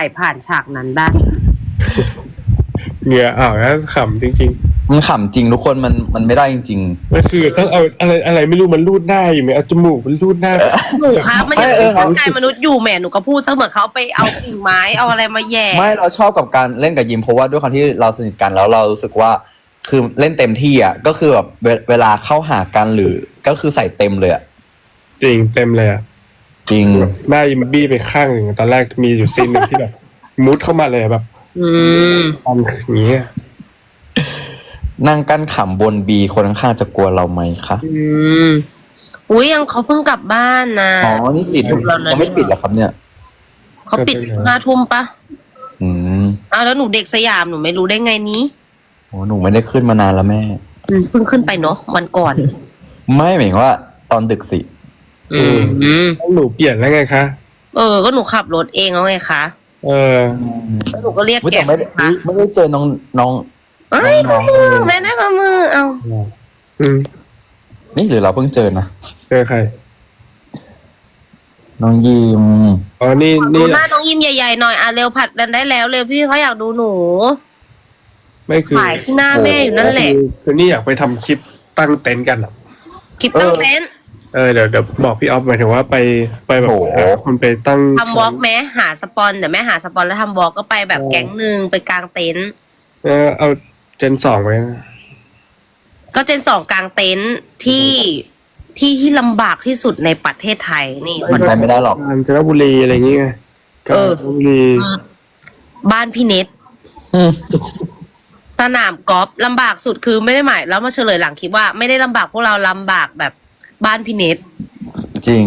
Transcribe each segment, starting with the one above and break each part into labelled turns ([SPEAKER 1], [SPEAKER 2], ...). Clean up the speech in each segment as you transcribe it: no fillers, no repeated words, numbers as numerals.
[SPEAKER 1] ผ่านฉากนั้นได้
[SPEAKER 2] เหงื่อออกแล้วขำจริง
[SPEAKER 3] มันขำจริงทุกคนมันไม่ได้จริง
[SPEAKER 2] ๆก็คือต้องเอาอะไรไม่รู้มันรูดหน้าอยู่ไหมเอาจมูกมันรูดหน้า
[SPEAKER 1] หนูครับมันยังเป็นร่างกายมนุษย์อยู่แหมหนูก็พูดเสมอเขาไปเอากิ่งไม้เอาอะไรมาแย่
[SPEAKER 3] ไม่เราชอบกับการเล่นกับยิมเพราะว่าด้วยความที่เราสนิทกันแล้วเรารู้สึกว่าคือเล่นเต็มที่อ่ะก็คือแบบเวลาเข้าหากันหรือก็คือใส่เต็มเลยอ่ะ
[SPEAKER 2] จริงเต็มเลยอ่ะ
[SPEAKER 3] จริง
[SPEAKER 2] หน้ายิมบี้ไปข้างหนึ่งตอนแรกมีอยู่ซีนหนึ่งที่แบบมุดเข้ามาเลยแบบทำอย่างเงี้ย
[SPEAKER 3] นั่งกั้นขำบนบีคนข้างๆจะกลัวเราไหมคะ
[SPEAKER 1] อุ้ยยังเขาเพิ่งกลับบ้านนะ
[SPEAKER 3] อ๋อนี่4 ทุ่มยังไม่ปิดเหรอครับเนี่ย
[SPEAKER 1] เขาปิด5 ทุ่มปะแล้วหนูเด็กสยามหนูไม่รู้ได้ไงนี้
[SPEAKER 3] โอ้หนูไม่ได้ขึ้นมานานแล้วแม่
[SPEAKER 1] เพิ่งขึ้นไปเนาะวันก่อน
[SPEAKER 3] ไม่หมายถึงว่าตอนดึกสิ
[SPEAKER 2] หนูเปลี่ยนแล้วไงคะ
[SPEAKER 1] ก็หนูขับรถเองแล้วไงคะแล้วหนูก็เรียกแก
[SPEAKER 3] ไม่ได้เจอน้อง
[SPEAKER 1] เอ้ยมามือแม่ได้มามือเอา
[SPEAKER 3] นี่หรือเราเพิ่งเจอนะ
[SPEAKER 2] เจอใคร
[SPEAKER 3] น้องยิม
[SPEAKER 2] อ๋อนี่
[SPEAKER 1] ดูหน้าน้องยิมใหญ่ๆหน่อยเร็วผัดกันได้แล้วเร็วพี่เขาอยากดูหนู
[SPEAKER 2] ไม่คือ
[SPEAKER 1] ถ่ายที่หน้าแม่อยู่นั่นแหละ
[SPEAKER 2] คือนี่อยากไปทำคลิปตั้งเต็นท์กันหรอ
[SPEAKER 1] คลิปตั้งเต็นท์
[SPEAKER 2] เดี๋ยวบอกพี่ออฟหมายถึงว่าไปแบบคนไปตั้ง
[SPEAKER 1] ทำวอล์กแม้หาสปอนเดี๋ยวแม่หาสปอนแล้วทำวอล์กก็ไปแบบแก๊งนึงไปกลางเต็นท์
[SPEAKER 2] เอาเจน2ไว้
[SPEAKER 1] ก็เจน2กลางเต็นท์ที่ลำบากที่สุดในประเทศไทยนี่
[SPEAKER 3] คนไปไม่ได้หรอก
[SPEAKER 2] กาญจนบุรีอะไรอย่างเงี้ยกาญจนบุรี
[SPEAKER 1] บ้านพี่เน็ตสนามกอล์ฟลำบากสุดคือไม่ได้หมายแล้วมาเฉลยหลังคลิปว่าไม่ได้ลำบากพวกเราลำบากแบบบ้านพี่เน็ต
[SPEAKER 3] จริง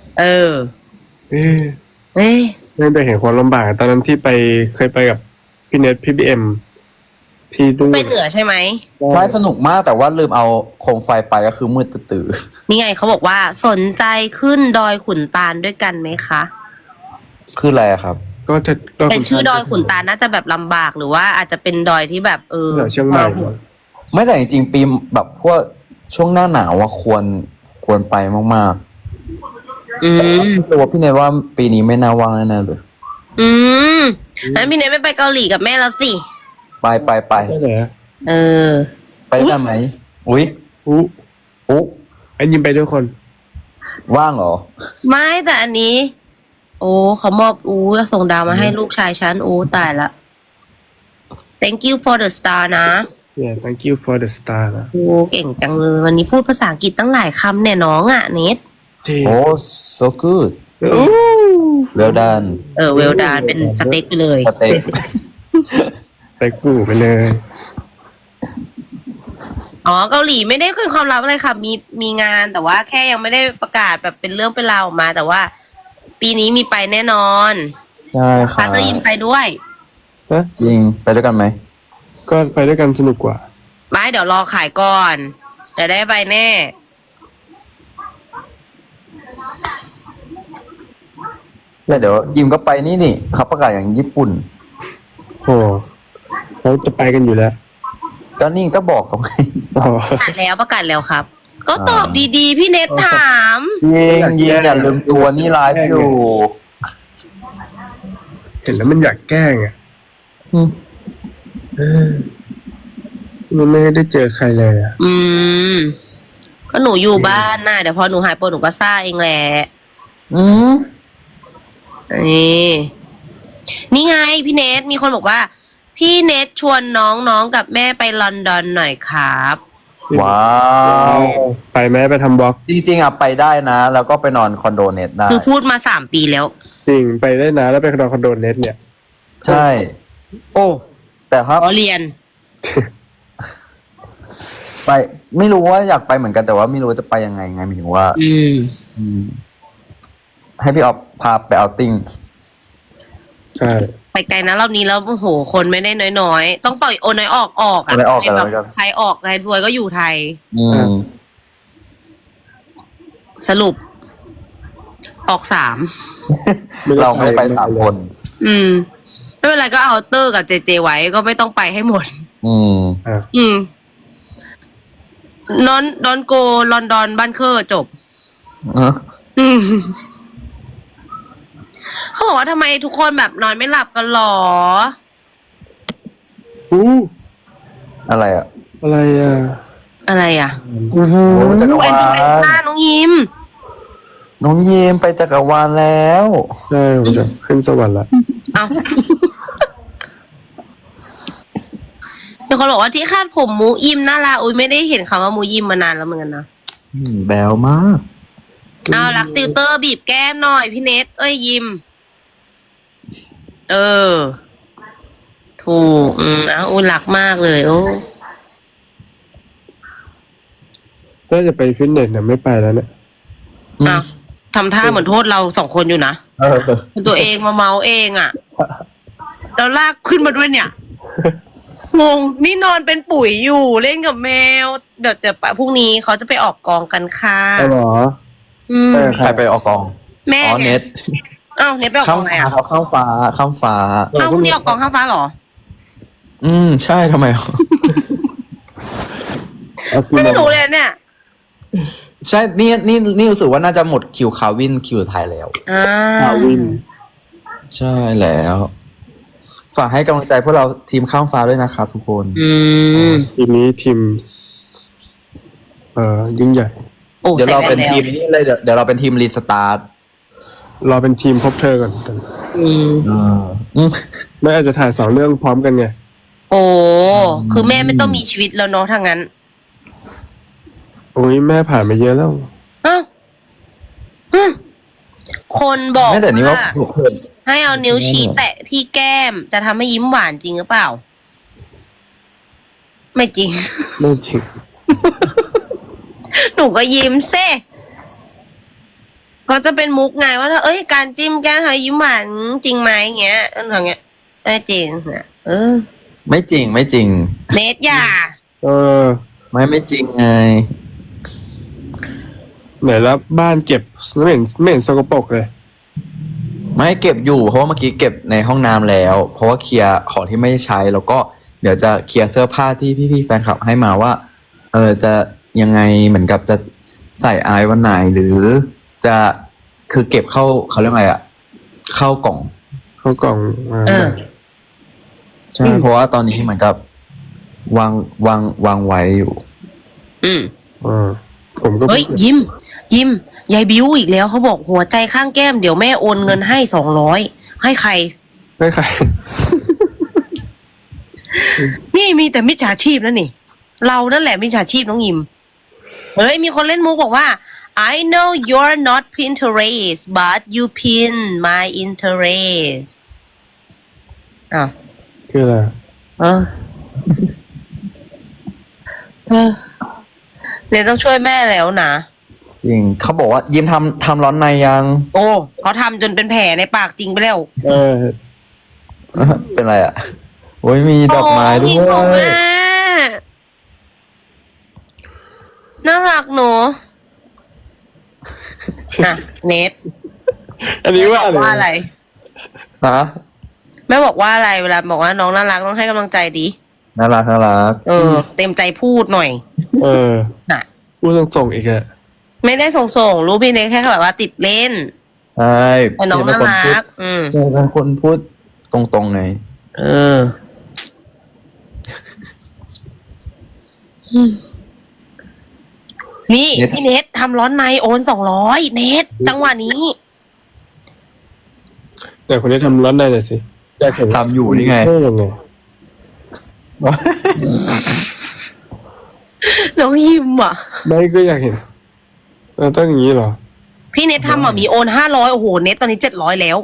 [SPEAKER 2] ไม่ไปเห็นความลำบากตอนนั้นที่เคยไปกับพี่เน็ตพี่บีเอ็มที่ดู
[SPEAKER 1] ไปเหนือใช่ไหม
[SPEAKER 3] ไม่สนุกมากแต่ว่าลืมเอาโคมไฟไปก็คือมืดตื่น
[SPEAKER 1] นี่ไงเขาบอกว่าสนใจขึ้นดอยขุนตาลด้วยกันไหมคะ
[SPEAKER 3] คืออะไรครับ
[SPEAKER 2] ก็จะ
[SPEAKER 1] เป็นชื่อดอยขุนตาลน่าจะแบบลำบากหรือว่าอาจจะเป็นดอยที่แบบ
[SPEAKER 2] เชียงใหม่
[SPEAKER 3] ไม่แต่จริงๆปีแบบพวกช่วงหน้าหนาวควรไปมากแต่ว่าพี่เนยว่าปีนี้ไม่น่าว่างแน่เลย
[SPEAKER 1] งั้นพี่เนยไม่ไปเกาหลีกับแม่แล้วสิ
[SPEAKER 3] ไปไปได้ไหมอุ้ย
[SPEAKER 2] ไอ้ยิมไปด้วยคน
[SPEAKER 3] ว่างเหรอ
[SPEAKER 1] ไม่แต่อันนี้เขามอบส่งดาวมาให้ลูกชายฉันตายละ thank you for the star นะ
[SPEAKER 2] thank you for the star นะ
[SPEAKER 1] เก่งจังเลยวันนี้พูดภาษาอังกฤษตั้งหลายคำเนี่ยน้องเน็ต
[SPEAKER 3] so good well done
[SPEAKER 1] well done เป็นสเต็กไปเลย
[SPEAKER 3] สเต็
[SPEAKER 2] กปูไปเลย
[SPEAKER 1] เกาหลีไม่ได้เป็นความลับอะไรค่ะมีงานแต่ว่าแค่ยังไม่ได้ประกาศแบบเป็นเรื่องเป็นราวออกมาแต่ว่าปีนี้มีไปแน่นอน
[SPEAKER 3] ใช่ค่ะ
[SPEAKER 1] พาเตอร์ยิมไปด้วย
[SPEAKER 3] จริงไปด้วยกันไหม
[SPEAKER 2] ก็ไปด้วยกันสนุกกว่า
[SPEAKER 1] ไม่เดี๋ยวรอขายก่อนจะได้ไปแน่
[SPEAKER 3] แล้วเดี๋ยวยิมก็ไปนี่เขาประกาศอย่างญี่ปุ่น
[SPEAKER 2] เราจะไปกันอยู่แล้ว
[SPEAKER 3] ก็นี่ก็บอกเขาไง
[SPEAKER 1] ประกาศแล้วครับก็ตอบดีๆพี่เน็ตถาม
[SPEAKER 3] ยิงอย่าลืมตัวนี่ไลฟ์อยู่
[SPEAKER 2] เห็นแล้วมันอยากแกล้งมันไม่ได้เจอใครเลย
[SPEAKER 1] ก็หนูอยู่บ้านน่ะเดี๋ยวพอหนูหายปวดหนูก็ซ่าเองแหละนี่ไงพี่เนทมีคนบอกว่าพี่เนทชวนน้องกับแม่ไปลอนดอนหน่อยครับ
[SPEAKER 3] ว้าว
[SPEAKER 2] ไปแม่ไปทำบล็อก
[SPEAKER 3] จริงๆไปได้นะแล้วก็ไปนอนคอนโดเน็ตได้
[SPEAKER 1] คือพูดมา3 ปีแล้ว
[SPEAKER 2] จริงไปได้นะแล้วไปนอนคอนโดเน็ตเนี่ย
[SPEAKER 3] ใช่แต่ครับ
[SPEAKER 1] เรียน
[SPEAKER 3] ไปไม่รู้ว่าอยากไปเหมือนกันแต่ว่าไม่รู้จะไปยังไงหมายถึงว่าให้พี่ออฟพาไปเอาติ้ง
[SPEAKER 2] ใช่
[SPEAKER 1] ไปไกลนะรอบนี้แล้วคนไม่ได้น้อยๆต้องปล่อยน้อยออกแบบใครออกใครรวยก็อยู่ไทยสรุปออก3
[SPEAKER 3] เราไม่ได้ไป3 คน
[SPEAKER 1] ไม่เป็นไรก็เอาเตอร์กับเจไว้ก็ไม่ต้องไปให้หมดนอนโกลอนดอนบ้านเคอร์จบเขาบอกว่าทำไมทุกคนแบบนอนไม่หลับกันหรอ
[SPEAKER 2] อู้
[SPEAKER 3] อะไรอ่ะ
[SPEAKER 2] อะไรอ่ะ
[SPEAKER 1] อะไรอ่ะ
[SPEAKER 3] โอ้จักร
[SPEAKER 1] แอ
[SPEAKER 3] วาน
[SPEAKER 1] ดูแอน
[SPEAKER 3] ล
[SPEAKER 1] ต้าน้องยิม
[SPEAKER 3] น้องเยมไปจักรวาลแล้ว
[SPEAKER 2] ใช่ผมจะขึ้นสวรรค์ละ
[SPEAKER 1] เอาเดี๋ยวเขาบอกว่าที่คาดผมมูยิมน่ารักอุ้ยไม่ได้เห็นคำว่ามูยิมมานานแล้วเหมือนกันนะ
[SPEAKER 3] แบวมาก
[SPEAKER 1] เอารักติวเตอร์บีบแก้มหน่อยพี่เนทเอ้ยยิม เออ ถูกอุ้ยรักมากเลยโอ้
[SPEAKER 2] ถ้าจะไปฟิตเนสเนี่ยไม่ไปแล้วเนี่ย
[SPEAKER 1] เอาทำท่าเหมือนโทษเราสองคนอยู่นะ
[SPEAKER 3] เออ
[SPEAKER 1] ตัวเองมาเมาเองอ่ะแล้วลากขึ้นมาด้วยเนี่ย งงนี่นอนเป็นปุ๋ยอยู่เล่นกับแมว เดี๋ยวพรุ่งนี้เขาจะไปออกกองกันค่ะ
[SPEAKER 2] เอาเหรอ
[SPEAKER 1] อืม
[SPEAKER 2] ไปกับ
[SPEAKER 3] ใครไปออกกอง
[SPEAKER 1] แม่
[SPEAKER 3] อ๋อ
[SPEAKER 1] ไง
[SPEAKER 3] เน็ต
[SPEAKER 1] อ้าวเน็ตไปออกก
[SPEAKER 3] ข้า
[SPEAKER 1] อ
[SPEAKER 3] ม
[SPEAKER 1] งไง
[SPEAKER 3] ฟ้า
[SPEAKER 1] อ่ะ
[SPEAKER 3] เขาข้ามฟ้าข้ามฟ้า
[SPEAKER 1] อ้าวพรุ่งนี้ออกกองข้างฟ้าเหรอ
[SPEAKER 3] ใช่ทำไม
[SPEAKER 2] เอากี่โม
[SPEAKER 1] ไม่
[SPEAKER 2] ง
[SPEAKER 1] รู้เลยเนี่ย
[SPEAKER 3] ใช่นี่รู้สึกว่าน่าจะหมดคิวคาวินคิวไทยแล้ว
[SPEAKER 1] อ่า
[SPEAKER 2] คาวิน
[SPEAKER 3] ใช่แล้ว ฝากให้กำลังใจพวกเราทีมข้ามฟ้าด้วยนะครับทุกคน
[SPEAKER 1] อืม
[SPEAKER 2] ทีมนี้ทีม ยิ่งใหญ่
[SPEAKER 1] โอ้
[SPEAKER 3] เดี๋ยว
[SPEAKER 1] ใส่
[SPEAKER 3] เรา
[SPEAKER 1] แว่
[SPEAKER 3] เป็น น
[SPEAKER 1] แล้ว
[SPEAKER 3] ทีมนี้เลยเดี๋ยวเราเป็นทีมรีสตาร์ท
[SPEAKER 2] เราเป็นทีมพบเธอก่อน
[SPEAKER 1] อืม
[SPEAKER 2] ไม่อาจจะถ่ายสองเรื่องพร้อมกันไง
[SPEAKER 1] โอ้คือแม่ไม่ต้องมีชีวิตแล้วเนาะถ้างั้น
[SPEAKER 2] โอ้ยแม่ผ่านมาเยอะแล้ว
[SPEAKER 1] อ้าวฮึคนบอก
[SPEAKER 3] ไม่แต่นี่ว่า
[SPEAKER 1] ให้เอานิ้วชี้แตะที่แก้มจะทำให้ยิ้มหวานจริงหรือเปล่า ไม่จริง
[SPEAKER 2] ไม่จริง
[SPEAKER 1] หนูก็ยิ้มเซ่ก็จะเป็นมุกไงว่าถ้าการจิ้มแก้มทำให้ยิ้มหวานจริงไหมเงี้ยอย่างเงี้ยได้จริงนะ
[SPEAKER 3] ไม่จริงไม่จริง
[SPEAKER 1] เนทอย่า
[SPEAKER 2] เออ
[SPEAKER 3] ไม่จริงไง
[SPEAKER 2] ไหนแล้วบ้านเก็บไม่เห็นสกปรกเลย
[SPEAKER 3] ไม่เก็บอยู่เพราะว่าเมื่อกี้เก็บในห้องน้ำแล้ว เพราะว่าเคลียร์ของที่ไม่ได้ใช้แล้วก็เดี๋ยวจะเคลียร์เสื้อผ้าที่พี่ๆแฟนคลับให้มาว่า จะยังไงเหมือนกับจะใส่อายวันไหนหรือจะคือเก็บเข้าเขาเรียกไงอะเข้ากล่อง
[SPEAKER 2] เข้ากล่องมา
[SPEAKER 3] ใช่เพราะว่าตอนนี้เหมือนกับวางไว้อยู่
[SPEAKER 1] อืม
[SPEAKER 2] ผมก็
[SPEAKER 1] เฮ้ยยิ้มยายบิวอีกแล้วเขาบอกหัวใจข้างแก้มเดี๋ยวแม่โอนเงินให้200ให้ใคร
[SPEAKER 2] ไม่ใคร
[SPEAKER 1] นี่มีแต่มิจฉาชีพนั่นนี่ เรานั่นแหละมิจฉาชีพน้องยิม เฮ้ยมีคนเล่นมุกบอกว่า I know you're not Pinterest but you pin my interest อ้าว
[SPEAKER 2] คืออะไร
[SPEAKER 1] เออเนี่ยต้องช่วยแม่แล้วนะ
[SPEAKER 3] จริงเขาบอกว่ายิ้มทำร้อนในยัง
[SPEAKER 1] โอ้เขาทำจนเป็นแผลในปากจริงไปแล้ว
[SPEAKER 2] เออ
[SPEAKER 3] เป็นไรอะโอ้ยมีดอกไม้ด้
[SPEAKER 1] โยิ้ของ
[SPEAKER 3] ว
[SPEAKER 1] แม่
[SPEAKER 3] ย
[SPEAKER 1] น่ารักหนูอ่ะเนท
[SPEAKER 2] อันนี้ว่า
[SPEAKER 1] ว่าอะไร
[SPEAKER 3] ฮะ
[SPEAKER 1] แม่บอกว่าอะไรเวลาบอกว่าน้องน่ารักต้องให้กำลังใจดี
[SPEAKER 3] น่ารัก
[SPEAKER 1] เต็มใจพูดหน่อย
[SPEAKER 2] เออ
[SPEAKER 1] น่ะ
[SPEAKER 2] พูดส่งๆอีกอะ
[SPEAKER 1] ไม่ได้ส่งรู้พี่เนทแค่แบบว่าติดเล่น
[SPEAKER 3] ใช่
[SPEAKER 1] แต่น้องน่ารัก
[SPEAKER 3] เป็นคนพูดตรงๆไง
[SPEAKER 1] นี่พี่เนททำร้อนในโอน200เนทจังหวะนี้
[SPEAKER 2] แต่คนนี้ทำร้อนได้เลยสิอยากเห็น
[SPEAKER 3] ทำอยู่นี่ไง
[SPEAKER 2] ได้ยังไง
[SPEAKER 1] น้องยิมอ่ะ
[SPEAKER 2] ไม่ก็อยากเห็นต้องอย่างนี้เหรอ
[SPEAKER 1] พี่เนททำมีโอน500โอ้โหเนทตอนนี้700แล้ว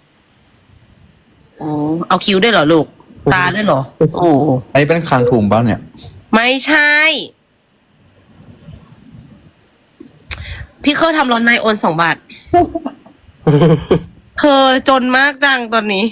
[SPEAKER 1] อ๋อเอาคิ้วด้วยเหรอลูก ตาด้วยเหรอ โอ้
[SPEAKER 3] อันนี้เป็นคางถุงบ้านเนี่ย
[SPEAKER 1] ไม่ใช่ พี่เคยทำร้อนในโอน2 บาทเธอจนมากจังตอนนี้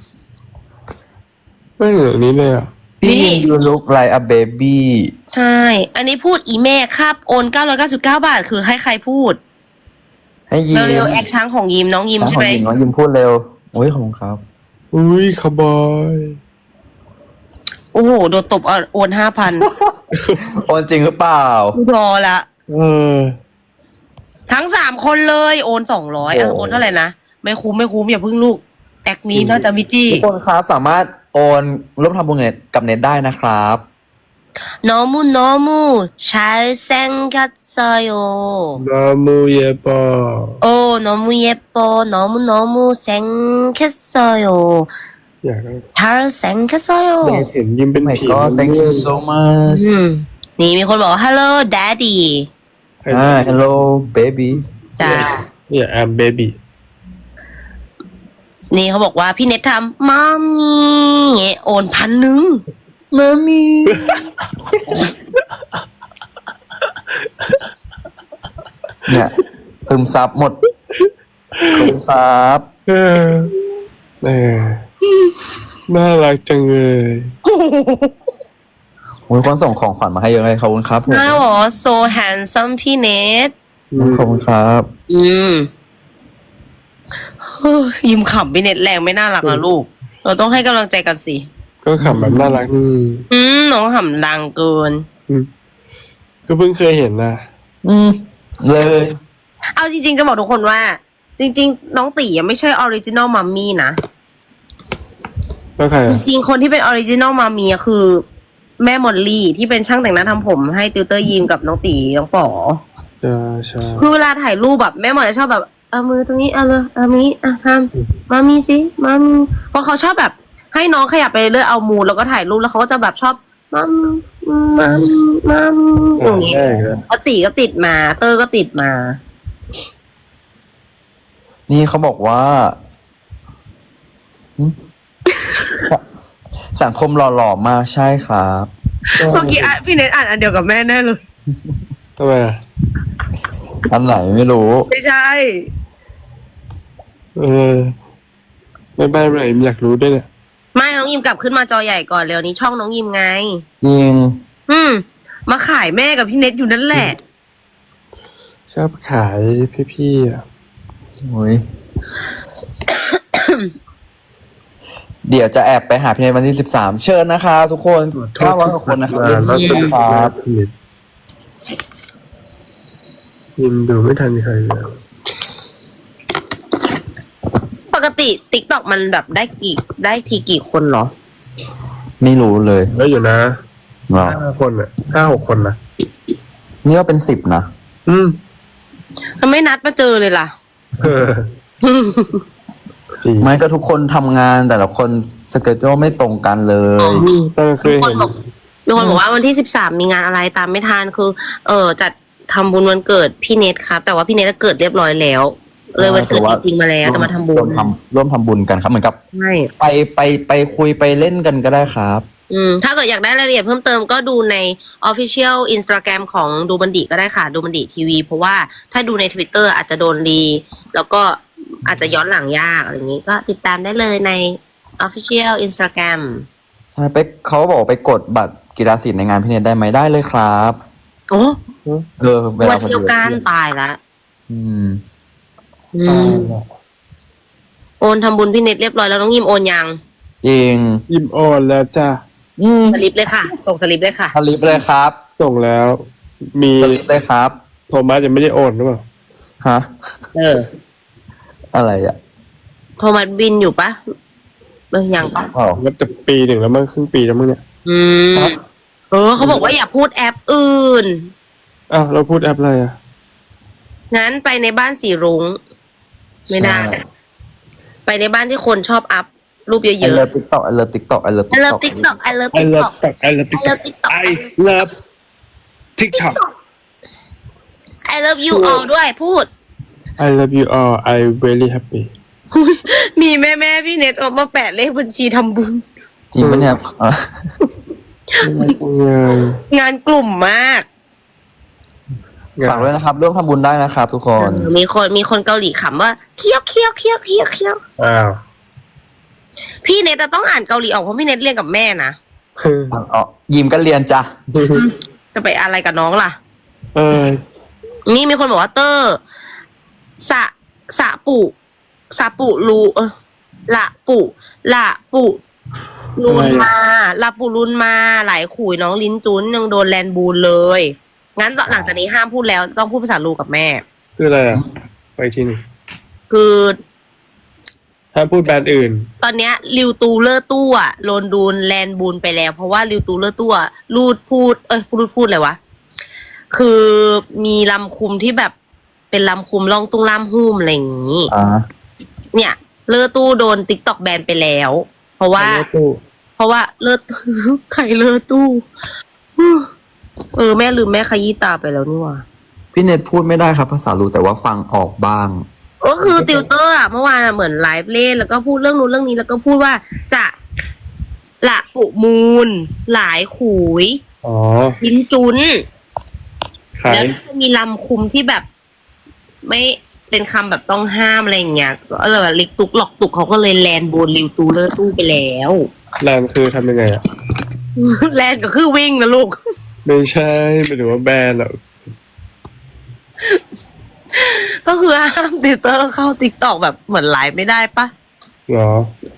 [SPEAKER 2] ไม่เหมือนอันนี้เลยอ่ะ
[SPEAKER 1] นี่
[SPEAKER 3] พี่ยูลุกไลอะเบบี้
[SPEAKER 1] ใช่ อันนี้พูดอีแม่ครับโอน999 บาทคือให้ใครพูด
[SPEAKER 3] ให้ยิ้ม
[SPEAKER 1] เร็วๆแอคช้างของยิมน้องยิมใช่ไหม
[SPEAKER 3] น้องยิ้มพูดเร็วโอ้ยขอบคุณครับ
[SPEAKER 2] อุ้ยคาร์บอย
[SPEAKER 1] โอ้โหโดนตบโอน5,000
[SPEAKER 3] โอนจริงหรือเปล่า
[SPEAKER 1] รอละ
[SPEAKER 2] เออ
[SPEAKER 1] ทั้ง3 คนเลยโอน200โอนเท่าไหร่นะไม่คุ้มอย่าพึ่งลูกแอคนี้น่าจะมิจี้
[SPEAKER 3] ทุกคนครับสามารถโอนร่วมทำบุญกับเน็ตได้นะครับ
[SPEAKER 1] 너무 잘생겼어요.
[SPEAKER 2] 너무 예뻐.
[SPEAKER 1] 너무 예뻐. 너무 생겼어요.
[SPEAKER 2] อยากได้
[SPEAKER 1] 잘생겼어요.
[SPEAKER 2] อยากเห็นยิ้มเป็น
[SPEAKER 3] Oh my
[SPEAKER 2] ผี
[SPEAKER 3] god thank you so much
[SPEAKER 1] นี่มีคนบอกว่า hello daddy
[SPEAKER 3] hello baby
[SPEAKER 1] จ้า
[SPEAKER 2] เนี่ย I'm baby
[SPEAKER 1] นี่เขาบอกว่าพี่เน็ตทำมามีโอน1,000
[SPEAKER 3] มามีเนี่ยซึมซับหมดขอบคุณครับ
[SPEAKER 2] เออน่ารักจังเลย
[SPEAKER 3] โอ้ยคนส่งของขวัญมาให้เยอะเลยขอบคุณครับผม
[SPEAKER 1] น่าบอกว่า so handsome พี่เน็ต
[SPEAKER 3] ขอบคุณครับ
[SPEAKER 1] เฮ้ยยิ้มขำพี่เน็ตแรงไม่น่ารักนะลูก เราต้องให้กำลังใจกันสิ
[SPEAKER 2] ก็ขำแบบน่ารัก
[SPEAKER 1] น้องขำดังเกิน
[SPEAKER 2] คือเพิ่งเคยเห็นนะ
[SPEAKER 3] เลย
[SPEAKER 1] เอาจริงๆจะบอกทุกคนว่า จริงๆ น้องตียังไม่ใช่ออริจินอลมัมมี่นะ
[SPEAKER 2] แล้วใคร
[SPEAKER 1] จริงๆ คนที่เป็นออริจินอลมัมมี่คือแม่มอลลี่ที่เป็นช่างแต่งหน้าทำผมให้ติวเตอร์ยิมกับน้องตีน้องป๋อ
[SPEAKER 2] ใช่
[SPEAKER 1] คือเวลาถ่ายรูปแบบแม่หมอจะชอบแบบเอามือตรงนี้เอาเลยเอานี้ทำมามีสิมามีเพราะเขาชอบแบบให้น้องขยับไปเรื่อยเอามูแล้วก็ถ่ายรูปแล้วเขาก็จะแบบชอบมาอย่างงี้ตีก็ติดมาเตอร์ก็ติดมา
[SPEAKER 3] นี่เขาบอกว่า สังคมหล่อๆมากใช่ครับ
[SPEAKER 1] เมื่อกี้พี่เน็ตอ่านอันเดียวกับแม่แน่เลย
[SPEAKER 2] ทำไมอ่ะ
[SPEAKER 3] อันไหนไม่รู้
[SPEAKER 1] ไม่ใช่
[SPEAKER 2] ไม่บ้านไหนอยากรู้ด้วยเนี่ย
[SPEAKER 1] ไม่น้องยิมกลับขึ้นมาจอใหญ่ก่อนเร็วนี้ช่องน้องยิมไง
[SPEAKER 3] จริง
[SPEAKER 1] มาขายแม่กับพี่เน็ตอยู่นั่นแหละ
[SPEAKER 2] ชอบขายพี่ๆอ่ะ
[SPEAKER 3] โอ้ย เดี๋ยวจะแอบไปหาพี่ในวันที่13เชิญนะครับทุกคน900กว่าคนนะครับเรียนเชิญครับ
[SPEAKER 2] ยิมดูไม่ทันใครเลย
[SPEAKER 1] ปกติติ๊กต็อกมันแบบได้ทีกี่คนเหรอ
[SPEAKER 3] ไม่รู้เลย
[SPEAKER 2] แล้วอยู่นะ
[SPEAKER 3] หรอ
[SPEAKER 2] 5 คนอ่ะ5-6 คนนะ
[SPEAKER 3] นี่ก็เป็น10นะ
[SPEAKER 1] ทำไมนัดมาเจอเลยล่ะ
[SPEAKER 3] ไม่ก็ทุกคนทำงานแต่ละคนสเกจไม่ตรงกันเลย
[SPEAKER 2] ตั้งเคยเห็น
[SPEAKER 1] มีคนบอกว่าวันที่13มีงานอะไรตามไม่ทันคือ จัดทำบุญวันเกิดพี่เน็ตครับ แต่ว่าพี่เน็ตเกิดเรียบร้อยแล้ว เลยวันเกิดจริงๆมาแล้วแต่มาทำบุญ
[SPEAKER 3] ร่วมทำบุญกันครับเหมือนกับ
[SPEAKER 1] ใช่
[SPEAKER 3] ไปคุยไปเล่นกันก็ได้ครับ
[SPEAKER 1] ถ้าเกิดอยากได้รายละเอียดเพิ่มเติมก็ดูใน Official Instagram ของดูบันดิก็ได้ค่ะดูบันดิทีวีเพราะว่าถ้าดูใน Twitter อาจจะโดนรีแล้วก็อาจจะย้อนหลังยากอะไรอย่างนี้ก็ติดตามได้เลยใน Official Instagram
[SPEAKER 3] ใช่เขาบอกไปกดบัตรกีฬาสีในงานพี่เนตได้ไหมได้เลยครับ
[SPEAKER 1] โอ้
[SPEAKER 3] เวลา
[SPEAKER 1] วันเดียวกันตายละโอนทำบุญพี่เน็ตเรียบร้อยแล้วน้องยิมโอนยัง
[SPEAKER 3] จริง
[SPEAKER 2] ยิมโอนแล้วจ้า
[SPEAKER 1] สลิปเลยค่ะ ส่งสลิปเลยค่ะ
[SPEAKER 3] สลิปเลยครับ
[SPEAKER 2] ส่งแล้ว มี
[SPEAKER 3] สลิปเลยครับ
[SPEAKER 2] โทมัสยังไม่ได้โอนหรือเปล่า
[SPEAKER 3] ฮะ อะไรอ่ะ
[SPEAKER 1] โทมัสบินอยู่ปะยังปะ
[SPEAKER 2] ก็จะปี 1แล้วมั้งครึ่งปีแล้วมั้งเนี่ย
[SPEAKER 1] เขาบอกว่าอย่าพูดแอปอื่น
[SPEAKER 2] อ้าวเราพูดแอปอะไรอ่ะ
[SPEAKER 1] งั้นไปในบ้านสีรุ้งไม่ได้ ไปในบ้านที่คนชอบอัพรูปเยอะๆ
[SPEAKER 3] I love TikTok I love TikTok I love
[SPEAKER 1] I love TikTok I love
[SPEAKER 2] I love
[SPEAKER 1] TikTok
[SPEAKER 2] TikTok I love TikTok I love TikTok
[SPEAKER 1] I love you all ด้วยพูด
[SPEAKER 2] I love you all I very happy
[SPEAKER 1] มีแม่พี่เน็ตออกมาแปะเลขบัญชีทำบุญ
[SPEAKER 3] จริงปะเนี่ย
[SPEAKER 1] งานกลุ่มมาก
[SPEAKER 3] ฝากด้วยนะครับร่วมทำบุญได้นะครับทุกคน
[SPEAKER 1] มีคนเกาหลีขำว่าเคี้ยวเคี้ยวเคี้ยวเคี้ยวเคี้ยว
[SPEAKER 2] อ้าว
[SPEAKER 1] พี่เน็ตจะต้องอ่านเกาหลีออกเพราะพี่เน็ตเรียนกับแม่นะ
[SPEAKER 3] ยิมก็เรียนจ้ะ
[SPEAKER 1] จะไปอะไรกับน้องล่ะ
[SPEAKER 3] นี่
[SPEAKER 1] มีคนบอกว่าเตอร์สะปุรูละปุรุนมาละปุรุนมาหลายขุยน้องลิ้นจุ้นยังโดนแลนบูนเลยงั้นหลังจากนี้ห้ามพูดแล้วต้องพูดภาษาลูกับแม่
[SPEAKER 2] คืออะไรอ่ะไปทีนึง
[SPEAKER 1] คือ
[SPEAKER 2] ถ้าพูดแบรนด์อื่น
[SPEAKER 1] ตอนเนี้ยริวตูเลอร์ตู้อะโลนดูนแลนบูนไปแล้ว เพราะว่าริวตูเลอร์ตู้อะรูดพูดพูดอะไรวะ คือมีลำคุมที่แบบเป็นลำคุมล่องตุ้งล่ามหุ้มอะไรอย่างงี้ เนี่ยเลอตู้โดนติ๊กตอกแบนไปแล้ว เพราะว่า เลอ ใครเลอตู้แม่ลืมแม่ขยี้ตาไปแล้วนี่หว่า
[SPEAKER 3] พี่เน็ตพูดไม่ได้ครับภาษารู้แต่ว่าฟังออกบ้าง
[SPEAKER 1] ก็คือติวเตอร์อะเมื่อวานอะเหมือนไลฟ์เล่นแล้วก็พูดเรื่องนู้นเรื่องนี้แล้วก็พูดว่าจะละปุมูล หลายขุย
[SPEAKER 2] อ๋อ
[SPEAKER 1] ลิ้นจุน
[SPEAKER 2] ขา
[SPEAKER 1] แล้ว
[SPEAKER 2] ย
[SPEAKER 1] จะมีลำคุมที่แบบ ไม่เป็นคำแบบต้องห้ามอะไรอย่างเงี้ยก็เลยแบบลิกตุกหลอกตุกเขาก็เลยแลนโบนริวตูเลอร์ตู้ไปแล้ว
[SPEAKER 2] แลนด์คือทำยังไงอ่ะ
[SPEAKER 1] แลนก็คือวิ่งนะลูก
[SPEAKER 2] ไม่ใช่ไม่ถือว่าแบรนด์อ่ะ
[SPEAKER 1] ก็คือห้ามติวเตอร์เข้าติ๊กตอกแบบเหมือนไลฟ์ไม่ได้ปะ
[SPEAKER 2] เหรอ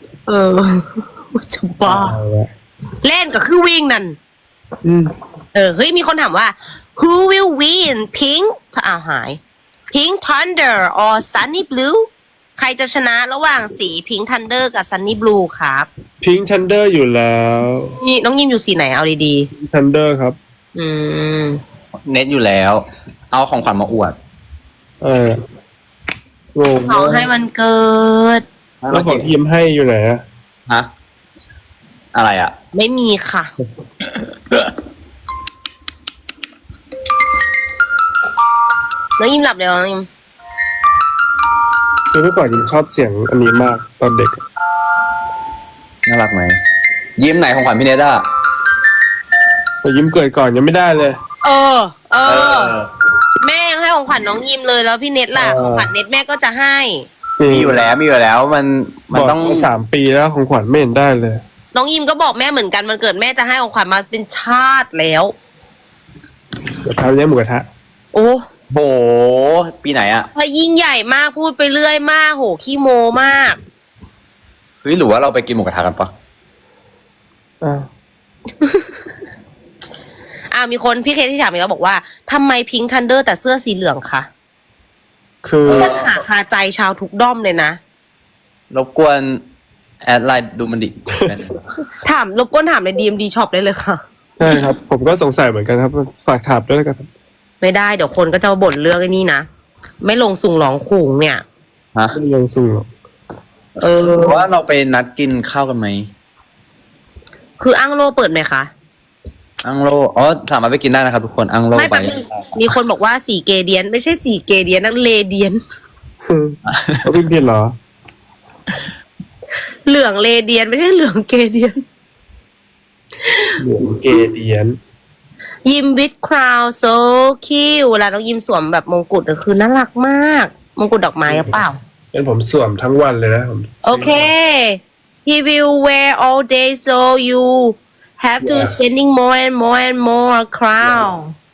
[SPEAKER 1] จะบ้า
[SPEAKER 2] เอาละ
[SPEAKER 1] เล่นก็คือวิ่งนั่น
[SPEAKER 2] อืม
[SPEAKER 1] เฮ้ยมีคนถามว่า who will win pink หาย pink thunder or sunny blue ใครจะชนะระหว่างสี pink thunder กับ sunny blue ครับ
[SPEAKER 2] พิงค์ทันเดอร์อยู่แล้ว
[SPEAKER 1] นี่น้องยิมอยู่สีไหนเอาดี
[SPEAKER 2] ทันเดอร์ครับ
[SPEAKER 1] ๆ
[SPEAKER 3] เน็ตอยู่แล้ว เอาของขวัญมาอวด
[SPEAKER 2] งง
[SPEAKER 1] ขอให้มันเกิด
[SPEAKER 2] แล้วของทีมให้อยู่ไหนอ่ะ
[SPEAKER 3] ฮะ อะไรอ่ะ
[SPEAKER 1] ไม่มีค่ะ น้องยิมหลับแล้วน้องยิม
[SPEAKER 2] คือเมื่อก่อนยิมชอบเสียงอันนี้มากตอนเด็ก
[SPEAKER 3] น่ารักไหม ยิ้มไหนของขวัญพี่เน็ตอ่ะ
[SPEAKER 2] แต่ยิมเกิดก่อนยังไม่ได้เลย
[SPEAKER 1] แม่ยังให้ของขวัญน้องยิมเลยแล้วพี่เน็ตล่ะของขวัญเน็ตแม่ก็จะให้
[SPEAKER 3] มีอยู่แล้วมัน
[SPEAKER 2] บอก
[SPEAKER 3] ต้อง
[SPEAKER 2] มา3 ปีแล้วของขวัญไม่เห็นได้เลย
[SPEAKER 1] น้องยิมก็บอกแม่เหมือนกันมันเกิดแม่จะให้ของขวัญมาเป็นชาติแล้ว
[SPEAKER 2] เดี๋ยวพาไปเลี้ยงหมูกระทะ
[SPEAKER 1] โอ้
[SPEAKER 3] โห ปีไหนอ่ะ
[SPEAKER 1] ยิ่งใหญ่มากพูดไปเรื่อยมากโหขี้โมมาก
[SPEAKER 3] เฮ้ยหรือว่าเราไปกินหมูกระทะกันปะ
[SPEAKER 1] มีคนพี่เคที่ถามอีกแล้วบอกว่าทำไมพิงค์ทันเดอร์แต่เสื้อสีเหลืองคะ
[SPEAKER 2] คือ
[SPEAKER 1] มันขาคาใจชาวทุกด้อมเลยนะ
[SPEAKER 3] รบกวนแอดไลน์ดูมันดิ
[SPEAKER 1] ถามรบกวนถามใน DMD Shop ได้เลยค่ะ
[SPEAKER 2] ใช่ครับ ผมก็สงสัยเหมือนกันครับฝากถามด้วยกันครับ
[SPEAKER 1] ไม่ได้เดี๋ยวคนก็จะบ่นเรื่องไอ้นี่นะ ไม่ลงสุ่งหลองขุงเนี่ย
[SPEAKER 3] ฮะ
[SPEAKER 2] ไม่ยังสูงหรอก
[SPEAKER 3] หรือว่าเราไปนัดกินข้าวกันไหม
[SPEAKER 1] คืออังโลเปิดไหมคะ
[SPEAKER 3] อังโลอ๋อสามารถไปกินได้นะครับทุกคนอังโล
[SPEAKER 1] ไม่
[SPEAKER 3] ไป
[SPEAKER 1] แป๊บนึงมีคนบอกว่าสีเกเดียน ไม่ใช่สีเกเดียนนักเลเดียน
[SPEAKER 2] เขาพิมพ์ผิดเหรอ
[SPEAKER 1] เหลืองเลเดียนไม่ใช่เหลืองเกเดียน
[SPEAKER 2] เหลืองเกเดียน
[SPEAKER 1] ยิมวิดคราวโซคิวเวลาน้องยิมสวมแบบมงกุฎอะคือน่ารักมาก มงกุฎดอกไม้หรือเปล่า
[SPEAKER 2] เป็นผมสวมทั้งวันเลยนะผม
[SPEAKER 1] โอเค he will wear all day so you have to sending more and more and more crown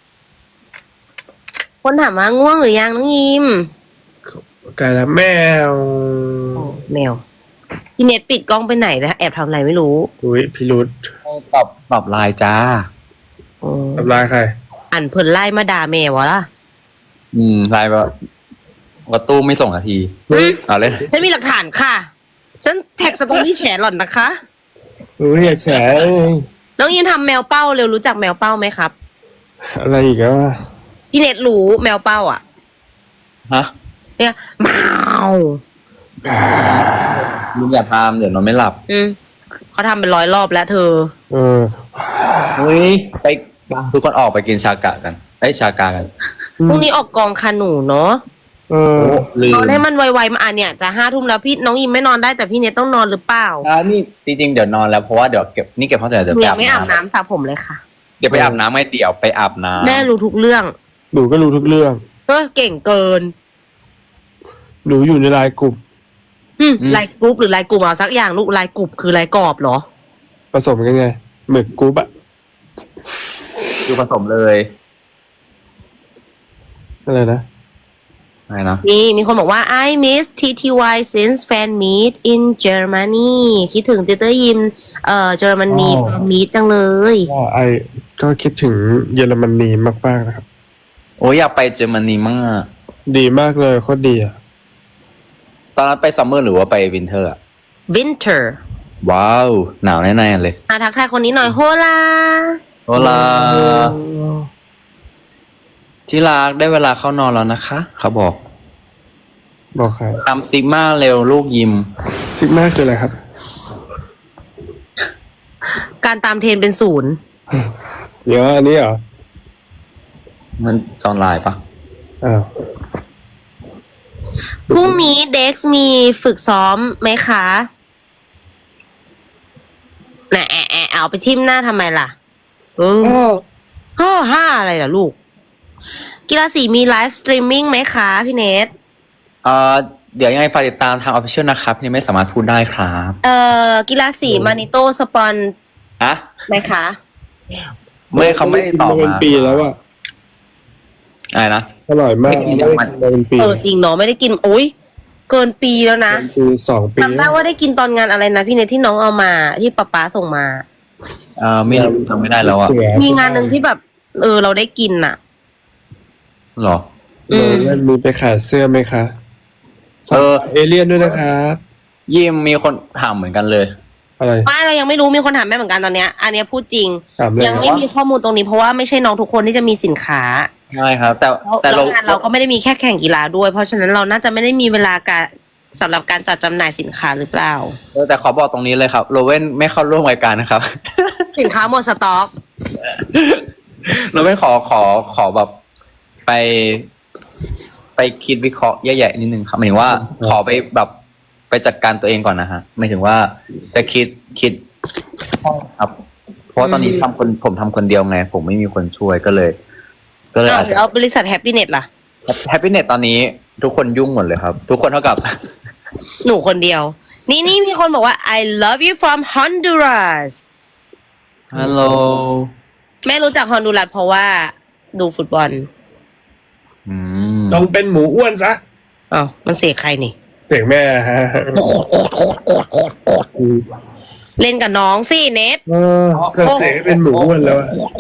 [SPEAKER 1] คนถามว่าง่วงหรือยังน้องยิม
[SPEAKER 2] กลายแล้วแมว
[SPEAKER 1] แมวพี่เน็ตปิดกล้องไปไหนแล้วแอบทำอะไรไม่รู้
[SPEAKER 2] อุ้ยพิรุษ
[SPEAKER 3] ตอบไลน์จ้า
[SPEAKER 2] ทำลายใคร
[SPEAKER 1] อันเพิ่นไล่มาด่าแมวะล่ะ
[SPEAKER 3] ไลน์ว่าตู้ไม่ส่งนาที เอาเลย
[SPEAKER 1] ฉันมีหลักฐานค่ะ ฉันแท็กสตอรี่แฉหล่อนนะคะ
[SPEAKER 2] อุ้ยอย่าแฉ
[SPEAKER 1] น้องยิมทำแมวเป้าเร็วรู้จักแมวเป้าไหมครับ
[SPEAKER 2] อะไรอีกแล้วอะ
[SPEAKER 1] พี่เน็ตรู้แมวเป้าอ่ะ
[SPEAKER 3] ฮะ
[SPEAKER 1] เนี่ยแมว
[SPEAKER 3] ลุงอย่าพามเดี๋ยวนอนไม่หลับ
[SPEAKER 1] เขาทำเป็น100 รอบแล้วเธอ
[SPEAKER 3] เฮ้ยไปทุกคนออกไปกินชากะกันชากากัน
[SPEAKER 1] พรุ่งนี้ออกกองคาหนูเนาะ
[SPEAKER 3] ลืม
[SPEAKER 1] นอนให้มันไวๆมาเนี่ยจะ5 ทุ่มแล้วพี่น้องยิมไม่นอนได้แต่พี่เน็ตต้องนอนหรือเปล่า
[SPEAKER 3] นี่จริงๆเดี๋ยวนอนแล้วเพราะว่าเดี๋ยวเก็บห้องเสร็จเดี๋ยว
[SPEAKER 1] หนู
[SPEAKER 3] ไป
[SPEAKER 1] ยั
[SPEAKER 3] อาง บ
[SPEAKER 1] ไม่อาบ
[SPEAKER 3] น้
[SPEAKER 1] น้ำสระผมเลยค่ะ
[SPEAKER 3] ำเดี๋ยวไปอาบน้ำไม่เดี๋ยวไปอาบน้ำ
[SPEAKER 1] แม่รู้ทุกเรื่อง
[SPEAKER 2] หนูก็รู้ทุกเรื่อง
[SPEAKER 1] ก็เก่งเกิน
[SPEAKER 2] หนูอยู่ในไลน์กลุ่ม
[SPEAKER 1] ไลน์กรุ๊ปหรือไลน์กลุ่มเอาสักอย่างลูกไลน์กลุ่มคือไลน์กรอบเหรอ
[SPEAKER 2] ผสมกันไงหมึกกรุ๊ปอะ
[SPEAKER 3] ดูผสมเลย
[SPEAKER 2] อะไรนะ
[SPEAKER 3] อะไรนะ
[SPEAKER 1] มีคนบอกว่า I miss TTY since fan meet in Germany คิดถึงติวเตอร์ยิมเยอรมนีแฟนมีตจังเลย
[SPEAKER 2] ว่าก็คิดถึงเยอรมนีมากๆนะครับ
[SPEAKER 3] โอ้ยอยากไปเยอรมนีมาก
[SPEAKER 2] ดีมากเลยโคตรดีอะ
[SPEAKER 3] ตอนนั้นไปซัมเมอร์หรือว่าไปวินเทอร์อะ
[SPEAKER 1] winter
[SPEAKER 3] ว้าวหนาวแน่ๆเลย
[SPEAKER 1] ทักทายคนนี้หน่อยโฮลา
[SPEAKER 3] โอลาที่รักได้เวลาเข้านอนแล้วนะคะ เขาบอก
[SPEAKER 2] บอกใคร
[SPEAKER 3] ทำซิกมาเร็วลูกยิม
[SPEAKER 2] ซิกมาคืออะไรครับ
[SPEAKER 1] การตามเทรนเป็นศูนย์
[SPEAKER 2] เดี๋ยวอันนี้เหรอ
[SPEAKER 3] มันจอนไลน์ปะ
[SPEAKER 2] อ้าว
[SPEAKER 1] พรุ่งนี้เด็กซ์มีฝึกซ้อมไหมคะน่ะเอาไปทิ่มหน้าทำไมล่ะห้าอะไรล่ะลูก กีฬาสีมีไลฟ์สตรีมมิ่งไหมคะพี่เนท
[SPEAKER 3] เดี๋ยวยังไงฝากติดตามทางออฟฟิเชียลนะครับพี่ไม่สามารถพูดได้ครับ
[SPEAKER 1] กีฬาสีมานิโต้สปอน
[SPEAKER 3] อะ
[SPEAKER 1] ไหมคะ
[SPEAKER 3] ไม่เขาไม่ได้ตอบ
[SPEAKER 2] เป็น
[SPEAKER 3] มา
[SPEAKER 2] ปีแล้วอ่ะ
[SPEAKER 3] อะไรนะ
[SPEAKER 2] อร่อยมาก
[SPEAKER 3] ไม่กิน
[SPEAKER 2] ไม่ได้กินมาเป็นปี
[SPEAKER 1] จริงเนาะไม่ได้กินโอ้ยเกินปีแล้วนะ
[SPEAKER 2] เป็นปี2 ปี
[SPEAKER 1] จำได้ว่าได้กินตอนงานอะไรนะพี่เนทที่น้องเอามาที่ป๊าส่งมา
[SPEAKER 3] ไม่รู้จำไม่ได้แล้วอะ
[SPEAKER 1] มีงานหนึ่งที่แบบเราได้กินน่ะ
[SPEAKER 3] หรอ
[SPEAKER 2] แล้วมีไปขายเสื้อไหมคะเอเลี่ยนด้วยนะครับ
[SPEAKER 3] ยิมมีคนถามเหมือนกันเลย
[SPEAKER 2] อะไร
[SPEAKER 1] ไม่เรายังไม่รู้มีคนถามแม่เหมือนกันตอนเนี้ย อันเนี้ยพูดจริง
[SPEAKER 2] ถามเลย
[SPEAKER 1] ยังไม่มีข้อมูลตรงนี้เพราะว่าไม่ใช่น้องทุกคนที่จะมีสินค้า
[SPEAKER 3] ใช่ครับ แต่
[SPEAKER 1] แล้ว
[SPEAKER 3] เรา
[SPEAKER 1] งานเราก็ไม่ได้มีแค่แข่งกีฬาด้วย เพราะฉะนั้นเราน่าจะไม่ได้มีเวลาการสำหรับการจัดจำหน่ายสินค้าหรือเปล่า
[SPEAKER 3] แต่ขอบอกตรงนี้เลยครับโรเว่นไม่เข้าร่วมรายการนะครับ
[SPEAKER 1] สินค้าหมดสต็อก
[SPEAKER 3] โรเว่นขอแบบไปคิดวิเคราะห์แย่ๆนิดนึงครับหมายถึงว่าขอไปแบบไปจัดการตัวเองก่อนนะฮะหมายถึงว่าจะคิดครับ เพราะว่าตอนนี้ผมทำคนเดียวไง ผมไม่มีคนช่วยก็เลยอาจจะ
[SPEAKER 1] เอาบริษัทแฮปปี้เน็ตล่ะ
[SPEAKER 3] แฮปปี้เน็ตตอนนี้ทุกคนยุ่งหมดเลยครับ ทุกคนเท่ากับ
[SPEAKER 1] หนูคนเดียว นี่มีคนบอกว่า I love you from Honduras
[SPEAKER 3] ฮัลโหล
[SPEAKER 1] แม่รู้จักฮอนดูรัสเพราะว่าดูฟุตบอล
[SPEAKER 2] ต้องเป็นหมูอ้วนซะ
[SPEAKER 1] อ้าวมันเสกใครนี่
[SPEAKER 2] เสียงแม่ฮะ
[SPEAKER 1] เล่นกับน้องสิเนท
[SPEAKER 2] เสียงเป็นหมูอ้วนแล้ว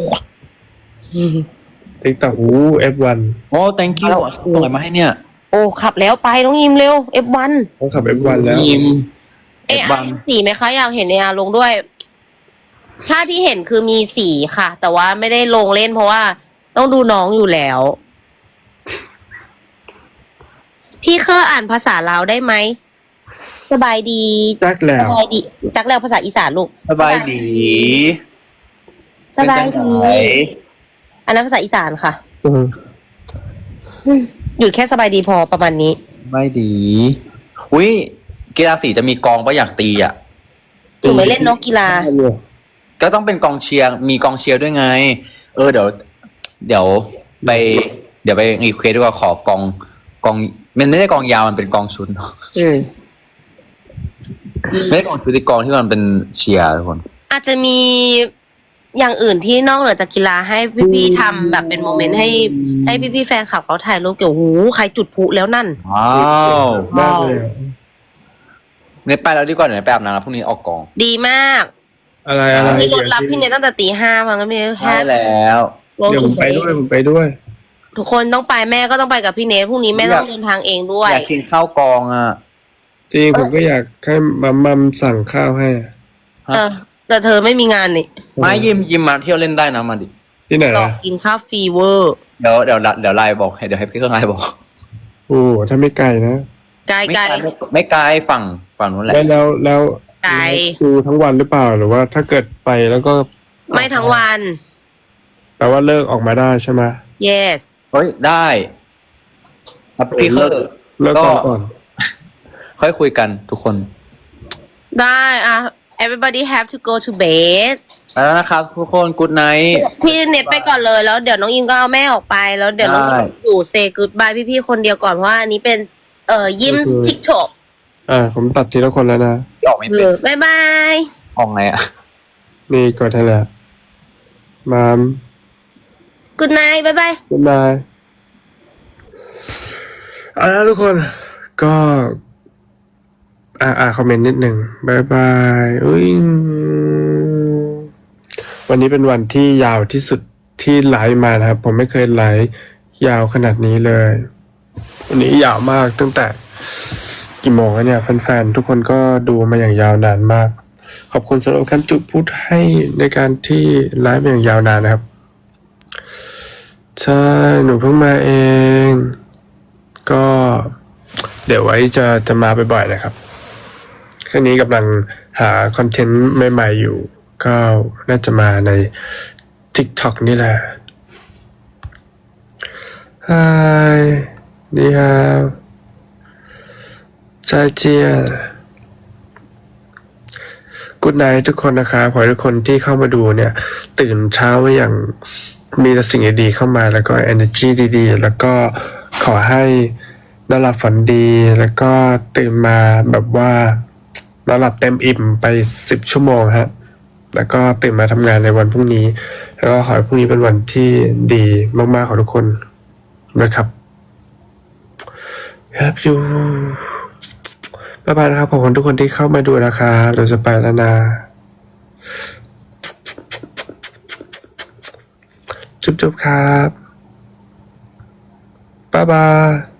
[SPEAKER 2] ติ๊กต็อกF1
[SPEAKER 3] โอ้ thank you ส่งอะไรมาให้เนี่ย
[SPEAKER 1] โอ้ขับแล้วไปน้องยิมเร็ว F1
[SPEAKER 2] ต้องขับ F1 แล้ว
[SPEAKER 3] ยิม
[SPEAKER 1] F1 สีไหมคะอยากเห็นในอาลงด้วย ถ้าที่เห็นคือมีสีค่ะ แต่ว่าไม่ได้ลงเล่นเพราะว่าต้องดูน้องอยู่แล้ว พี่เคยอ่านภาษาลาวได้ไหมสบายดี
[SPEAKER 2] จักแล้ว
[SPEAKER 1] สบายดีจักแล้วภาษาอีสานลูก
[SPEAKER 3] สบายดี
[SPEAKER 1] สบาย
[SPEAKER 3] เป็นจั
[SPEAKER 1] ดี
[SPEAKER 3] งไหน
[SPEAKER 1] อันนั้นภาษาอีสานค่ะ หยุดแค่สบายดีพอประมาณนี้
[SPEAKER 3] สบายดีอุ้ยกีฬาสีจะมีกองปะอยากตีอ่ะ
[SPEAKER 1] ถึงไม่เล่นนกกีฬา
[SPEAKER 3] ก็ต้องเป็นกองเชียร์มีกองเชียร์ด้วยไง เดี๋ยวไปรีเควสด้วยว่าขอกองมันไม่ได้กองยาวมันเป็นกองชุดไม่ได้กองชุดที่กองที่มันเป็นเชียร์ทุกคน
[SPEAKER 1] อาจจะมีอย่างอื่นที่นอกเหนือจากกีฬาให้พี่ๆทำแบบเป็นโมเมนต์ให้พี่ๆแฟนคลับเขาถ่ายรูปเกี่ยวหูใครจุดพลุแล้วนั่น
[SPEAKER 3] ว้าว
[SPEAKER 2] มากเลย
[SPEAKER 3] เนี่ยไปแล้วดีกว่าเดี๋ยวไปอาบน้ำพรุ่งนี้ออกกอง
[SPEAKER 1] ดีมาก
[SPEAKER 2] อะไร
[SPEAKER 1] มีรถรับพี่เนยตั้งแต่ตี 5เพราะงั้นพี่เนยแค่
[SPEAKER 3] ใช่แล้ว
[SPEAKER 1] ลง
[SPEAKER 2] เดี๋ยวผ
[SPEAKER 1] จุด
[SPEAKER 2] มไปด้วยผมไปด้วย
[SPEAKER 1] ทุกคนต้องไปแม่ก็ต้องไปกับพี่เนยพรุ่งนี้แม่ต้องเดินทางเองด้วย
[SPEAKER 3] อยากกินข้าวกองอ่ะ
[SPEAKER 2] จริงผมก็อยากให้มัมสั่งข้าวให้
[SPEAKER 1] แต่เธอไม่มีงานนี่
[SPEAKER 3] ไม่ยิมมาเที่ยวเล่นได้นะมาดิ
[SPEAKER 2] ที่ไหน
[SPEAKER 1] หลอกกินข้าวฟรีเวอร์
[SPEAKER 3] เดี๋ยวไลน์บอกเดี๋ยวให้พี่เครื่องไลน์บอก
[SPEAKER 2] โอ้ถ้าไม่ไกลนะ
[SPEAKER 1] ไกล
[SPEAKER 3] ไม่ไกลฝั่งนู้นแหละ
[SPEAKER 2] แล้ว
[SPEAKER 1] ไกล
[SPEAKER 2] ดูทั้งวันหรือเปล่าหรือว่าถ้าเกิดไปแล้วก็
[SPEAKER 1] ไม่ทั้งวัน
[SPEAKER 2] แปลว่าเลิกออกมาได้ใช่ไหม
[SPEAKER 1] yes
[SPEAKER 3] เฮ้ยได้ครับพี่เคอร์
[SPEAKER 2] เลิกก่อน
[SPEAKER 3] ค่อยคุยกันทุกคน
[SPEAKER 1] ได้everybody have to go to bed
[SPEAKER 3] แล้วนะครับทุกคนกูดไนท์
[SPEAKER 1] พี่เน็ตไปก่อนเลยแล้วเดี๋ยวน้องอิมก็เอาแม่ออกไปแล้วเดี๋ยวน้องอิม
[SPEAKER 3] ได้
[SPEAKER 1] อยู่เซกูดบายพี่ๆคนเดียวก่อนเพราะว่าอันนี้เป็นยิมทิกโต
[SPEAKER 2] ผมตัดทีละคนแล้วนะ
[SPEAKER 3] ที่ออกไม่เป็น
[SPEAKER 1] บ๊ายบาย
[SPEAKER 3] ออกไงอ่ะ
[SPEAKER 2] นี่กดให้แล้วมาม
[SPEAKER 1] good night บ๊ายบาย
[SPEAKER 2] บ๊ายบายทุกคนก็คอมเมนต์นิดหนึ่งบ๊ายบายวันนี้เป็นวันที่ยาวที่สุดที่ไลฟ์มานะครับ ผมไม่เคยไลฟ์ยาวขนาดนี้เลย วันนี้ยาวมากตั้งแต่กี่โมงแล้วเนี่ยแฟนๆทุกคนก็ดูมาอย่างยาวนานมาก ขอบคุณสำหรับการจุดพูดให้ในการที่ไลฟ์มาอย่างยาวนานนะครับใช่หนูเพิ่งมาเอง ก็เดี๋ยวไว้จะมาบ่อยๆนะครับแค่นี้กำลังหาคอนเทนต์ใหม่ๆอยู่ ก็น่าจะมาใน TikTok นี่แหละ Hi นี่ครับ再见กูดไนท์ทุกคนนะครับขอให้ทุกคนที่เข้ามาดูเนี่ย ตื่นเช้ามาอย่างมีแต่สิ่งดีๆเข้ามาแล้วก็ energy ดีๆ แล้วก็ขอให้นอนหลับฝันดีแล้วก็ตื่นมาแบบว่านอนหลับเต็มอิ่มไป10 ชั่วโมงฮะแล้วก็ตื่นมาทำงานในวันพรุ่งนี้ แล้วก็ขอให้พรุ่งนี้เป็นวันที่ดีมากๆของทุกคนนะครับครับอยู่บ๊ายบายนะครับขอบคุณทุกคนที่เข้ามาดูนะคะเราจะไปแล้วนะจุ๊บๆครับบ๊ายบาย